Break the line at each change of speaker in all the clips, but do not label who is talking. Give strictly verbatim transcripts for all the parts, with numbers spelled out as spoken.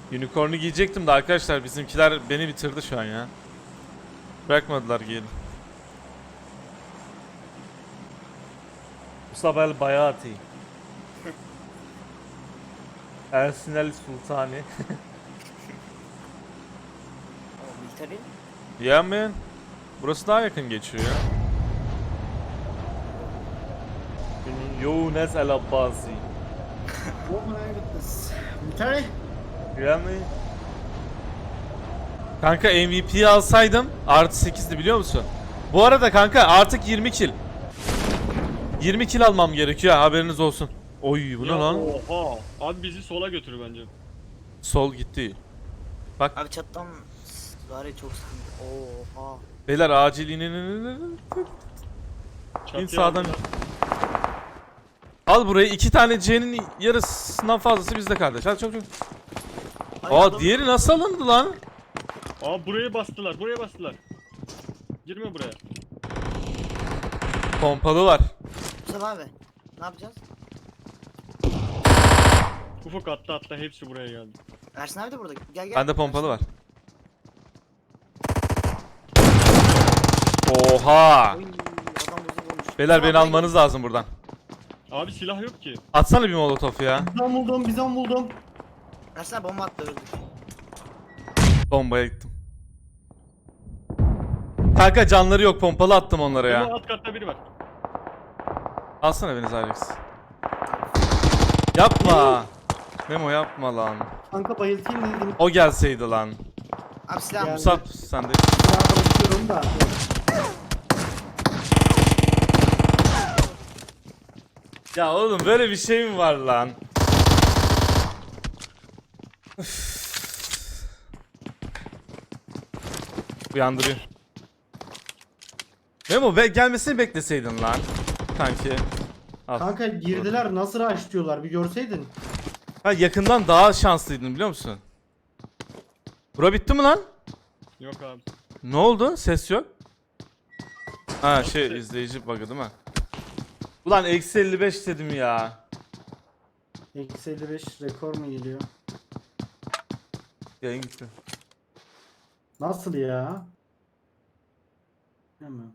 Unicorn'u giyecektim de arkadaşlar bizimkiler beni bitirdi şu an ya. Bırakmadılar giyelim. Mustafa El Bayati. Ersin El Sultani.
Military?
Yeah man. Burası daha yakın geçiyor ya. Younes El Abbasi.
Oh my goodness. Military?
Yeah man. Kanka M V P'yi alsaydım artı sekizdi biliyor musun? Bu arada kanka artık yirmi kill. yirmi kill almam gerekiyor haberiniz olsun. Oy bu ne
Ya
lan?
Oha. Abi bizi sola götür bence.
Sol gitti. Bak
Abi çattan var ya çok sıkıntı. Oha.
beyler acil inin.
Çatıya
İn sağdan.
aldılar.
Al burayı, iki tane C'nin yarısından fazlası bizde kardeş. Hadi çok çok.
Ay,
Aa
adam-
diğeri nasıl alındı lan?
Aa buraya bastılar. Buraya bastılar. Girme buraya.
Pompalı var.
Mustafa abi. Ne yapacağız?
Ufuk atla atla hepsi buraya geldi.
Ersin abi de burada. Gel gel.
Bende pompalı var. Oha.
Oy, adam bozuk olmuş.
Beyler beni
Mustafa abi,
almanız lazım buradan.
Abi silah yok ki.
Atsana bir molotof ya.
Bizon buldum, bizon buldum.
Ersin abi bomba attı öldük.
Bombaya gittim. Kanka canları yok, pompalı attım onlara
Ama
ya.
alt katta biri var.
Alsana beni Alex. Yapma. Memo yapma lan.
Kanka bayıltayım dedim.
O gelseydi lan.
Abi silah
Gel.
Musab sen de.
Silah bırakıyorum da.
Ya oğlum böyle bir şey mi var lan? Üf. Uyandırıyor. Memo be gelmesini bekleseydin lan. Kanki. Al.
Kanka girdiler, nasıl rush diyorlar bir görseydin.
Ha yakından daha şanslıydın biliyor musun? Bura bitti mi lan?
Yok abi.
Ne oldu? Ses yok. Ha şey izleyici bug'ı değil mi? Ulan eksi elli beş dedim ya.
Eksi elli beş rekor mu geliyor?
Yayın gitti.
Nasıl ya? Hemen.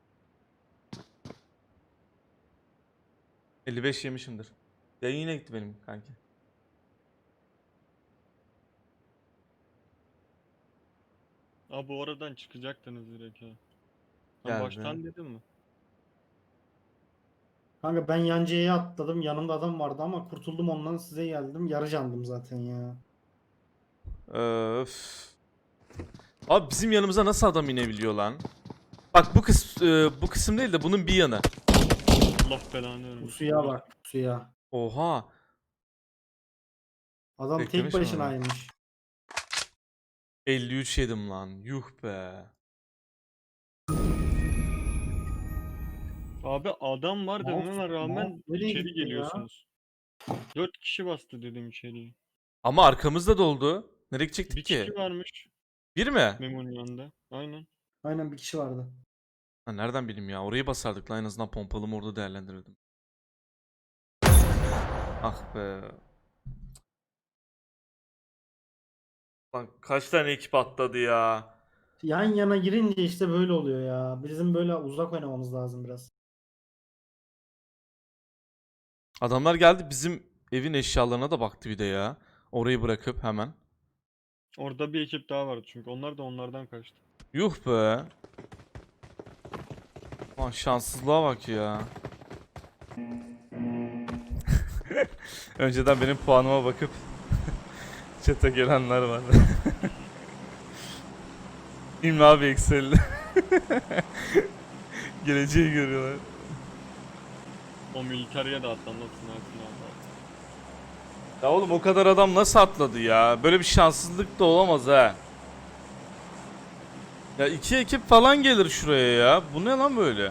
elli beş yemişimdir. Yayın yine gitti benim kanki.
Abi bu oradan çıkacaktınız direkt ya.
Geldi.
Ben baştan dedim mi?
Kanka ben yancıya atladım, yanımda adam vardı ama kurtuldum ondan, size geldim. Yarı candım zaten ya.
Öf. Abi bizim yanımıza nasıl adam inebiliyor lan? Bak bu kısım bu kısım değil de bunun bir yanı.
Allah belanı
Bu
vermesin.
suya bak, suya.
Oha.
Adam
Beklemiş
tek
mi
başınaymış.
elli üç yedim lan. Yuh be.
Abi adam var
Mouse-
dememe rağmen
mouse nereye
içeri
gitti ya?
geliyorsunuz. Dört kişi bastı dedim içeriye.
Ama arkamızda doldu. Nereye gidecektik
Bir
ki?
kişi varmış
Bir mi?
Memo'nun yanında. Aynen.
Aynen bir kişi vardı.
Ha, nereden bileyim ya? Orayı basardık lan en azından pompalımı orada değerlendirirdim. Ah be. Lan kaç tane ekip atladı ya?
Yan yana girince işte böyle oluyor ya. Bizim böyle uzak oynamamız lazım biraz.
Adamlar geldi bizim evin eşyalarına da baktı bir de ya. Orayı bırakıp hemen.
Orada bir ekip daha vardı çünkü onlar da onlardan kaçtı.
Yuh be. Aman şanssızlığa bak ya. Önceden benim puanıma bakıp chat'e gelenler var. İlmi abi Excel'de. Geleceği görüyorlar.
O militariye de atlanmasın Ersin abi.
Ya oğlum o kadar adam nasıl atladı ya? Böyle bir şanssızlık da olamaz ha. Ya iki ekip falan gelir şuraya ya. Bu ne lan böyle?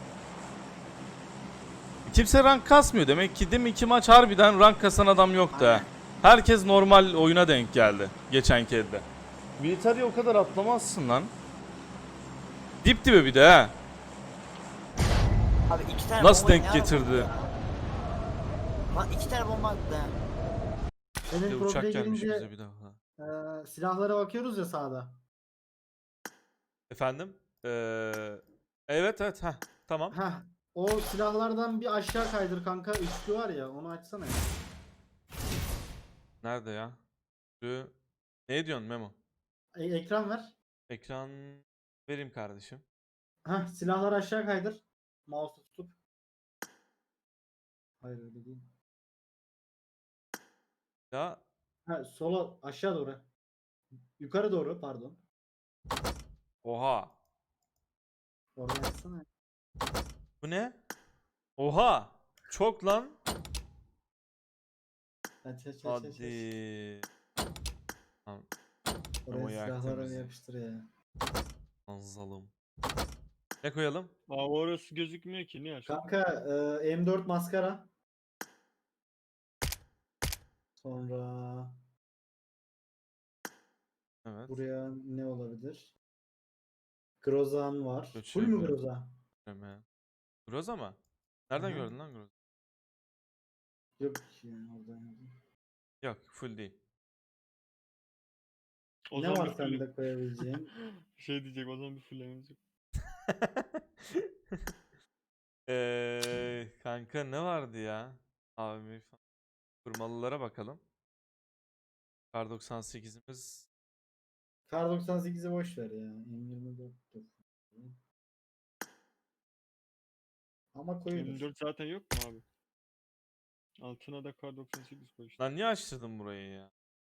Kimse rank kasmıyor demek ki değil mi? İki maç harbiden rank kasan adam yoktu ha.
Aynen.
Herkes normal oyuna denk geldi. Geçenki elde. Militariye o kadar atlamazsın lan. Dip dibe bir de ha.
Abi iki tane
Nasıl
bombayı
denk
ne ara
getirdi?
buldu ya? Lan iki tane bomba attı ha.
Senin
Bir de uçak
profile
gelmiş
girince
bize bir daha.
Ee, silahlara bakıyoruz ya sağda.
Efendim? Ee, evet evet ha tamam.
Heh. O silahlardan bir aşağı kaydır kanka. Üçlü var ya onu açsana ya.
Nerede ya? Şu- Ne diyorsun Memo?
E, ekran ver.
Ekran vereyim kardeşim.
Heh, silahları aşağı kaydır. Mouse'u tutup. Hayır öyle değil.
Ya
Ha, sola aşağı doğru. Yukarı doğru pardon.
oha.
Oraya açsana.
Bu ne? Oha. Çok lan.
Aç aç aç aç. aç.
Hadi. Tamam.
Oraya
Ama yaktın
silahları bir
bizi.
yapıştır ya.
Anzalım. Ne koyalım?
Aa orası gözükmüyor ki niye?
Kanka e, M dört maskara. Sonra
Evet.
buraya ne olabilir? Grozan var. Full mü
Göçebe.
Groza?
Göçebe. Groza mı? Nereden
Aha.
gördün lan Groza?
Yok ya oradan yazdım.
Yok full değil.
O
Ne
zaman
var
bir full...
sende koyabileceğin?
şey diyecek o zaman bir fullememiz yok.
Eee kanka ne vardı ya? Abi kurmalılara bakalım. Kar doksan sekizimiz
Kar doksan sekizi boş ver ya. M yirmi dört dur. Ama koyulur.
M dört zaten yok mu abi? Altına da kar doksan sekiz koy işte.
lan niye açtırdın burayı ya?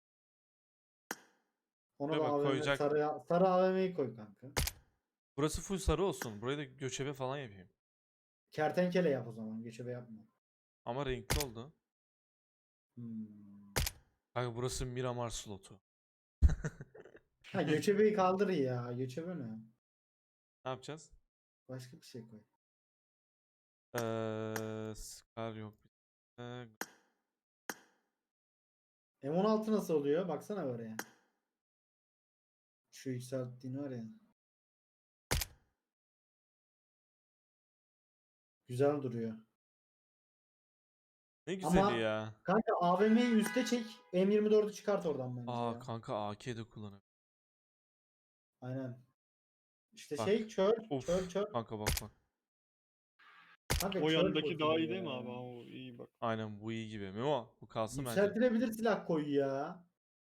Ona
Şuraya
da
bak,
A V M
koyacak.
sarı, sarı A V M'yi koy kanka.
Burası full sarı olsun. Burayı da göçebe falan yapayım.
Kertenkele yap o zaman. Göçebe yapma.
Ama renkli oldu.
Hmm.
Kanka burası Miramar slotu.
Ha göçebeyi kaldır ya. Göçebe ne?
Ne yapacağız?
Başka bir şey koy.
Eee Scar yok. Eee,
M on altı nasıl oluyor? Baksana oraya. Şu yükselttiğin var ya. Güzel duruyor.
ne güzeli
Ama
ya.
kanka A V M'yi üste çek. M yirmi dördü çıkart oradan bence
Aa
ya.
kanka A K de kullanabilir.
Aynen. İşte
Bak.
şey çöl.
Uf.
Çöl çöl.
Kanka bak bak.
Kanka
O
çöl
yandaki daha iyi
fosili
değil mi
ya.
abi? Aa, o iyi bak.
Aynen bu iyi gibi. Memo bu kalsın bence.
Yükseltilebilir silah koy ya.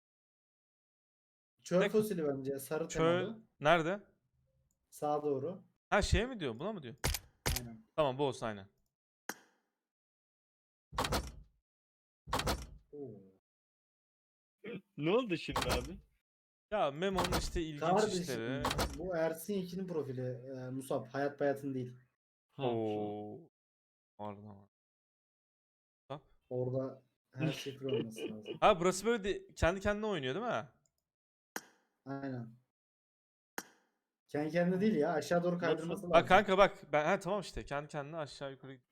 Çöl
Ne?
fosili bence. Sarı
Çöl
temalı.
nerede?
Sağa doğru.
Ha şeye mi diyor? Buna mı diyor?
Aynen.
Tamam bu olsun aynen.
Oo.
Ne oldu şimdi abi?
Ya Memo'nun işte ilginç
Kardeşim
işleri.
bu Ersin ikinin profili. E, Musab. Hayat Bayat'ın değil.
Ha,
Oo. Pardon ama. Hop.
Orada her şey full olması lazım.
Ha burası böyle de kendi kendine oynuyor değil mi?
Aynen. Kendi kendine değil ya. Aşağı doğru kaydırması lazım.
Bak kanka bak. Ben ha tamam işte kendi kendine aşağı yukarı. git-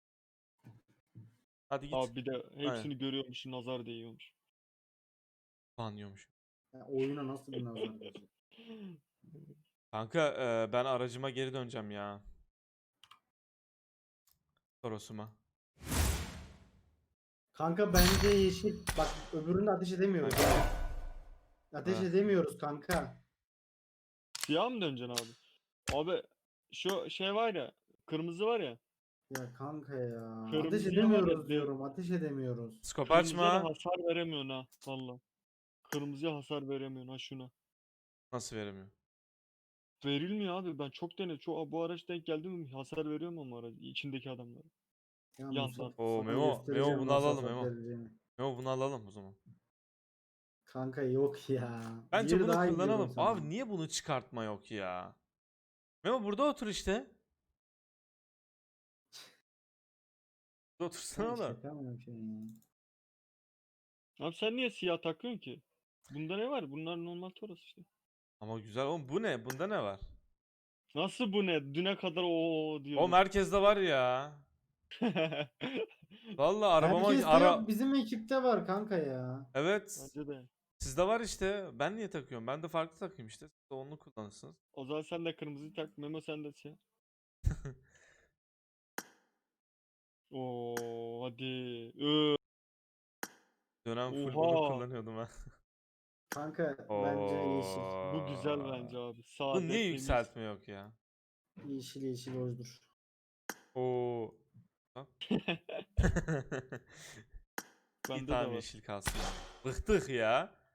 Hadi git.
Abi bir de hepsini
Aynen.
görüyormuş, nazar değiyormuş.
Banlıyormuş.
Ya oyuna nasıl bir nazar değecek?
Kanka e, ben aracıma geri döneceğim ya. Toros'uma.
Kanka bence yeşil. Bak öbüründe ateş edemiyoruz.
Aynen.
Ateş
Evet.
edemiyoruz kanka.
Siyah mı döneceksin abi? Abi şu şey var ya, kırmızı var ya.
Ya kanka ya. Ateş
Kırmızıya var
edemiyoruz
ya,
diyorum. Ateş edemiyoruz.
Skop
Kırmızıya da
açma.
hasar veremiyorsun ha valla. Kırmızıya hasar veremiyorsun ha şuna.
Nasıl veremiyor?
Verilmiyor abi, ben çok denedim. Çok, bu araç denk geldi mi hasar veriyor mu ama aracı içindeki adamlara?
Ya
Yandan.
Musab,
Oo
sana
Memo. Memo
göstereceğim
bunu
nasıl
alalım
hasar
Memo.
vereceğini.
Memo bunu alalım o zaman.
Kanka yok ya.
Bence
Diğeri
bunu
daha iyi diyorum
kullanalım.
sana.
Abi niye bunu çıkartma yok ya? Memo burada otur işte. Burada otursana
Ya
oğlum.
şaka mı yapıyorsun ya?
Abi sen niye siyah takıyorsun ki? Bunda ne var? Bunlar normal Toros işte.
Ama güzel oğlum bu ne? Bunda ne var?
Nasıl bu ne? Düne kadar o diyor.
O merkezde var ya. Vallahi arabama
Herkeste
ara
yok. Bizim ekipte var kanka ya.
evet.
Bence de.
Sizde var işte. Ben niye takıyorum? Ben de farklı takayım işte. Siz de onu kullanırsınız.
O zaman sen de kırmızı tak. Memo sen de siyah. Oo hadi. Ö.
Dönem full bunu
Oha.
kullanıyordum ha.
Kanka bence yeşil.
Bu güzel bence abi. Sade,
Bu niye
temiz.
yükseltme yok ya?
Yeşil yeşil hoşdur.
Oo. Bak. Bir
Bende de
tane
var.
yeşil kalsın. Bıktık ya.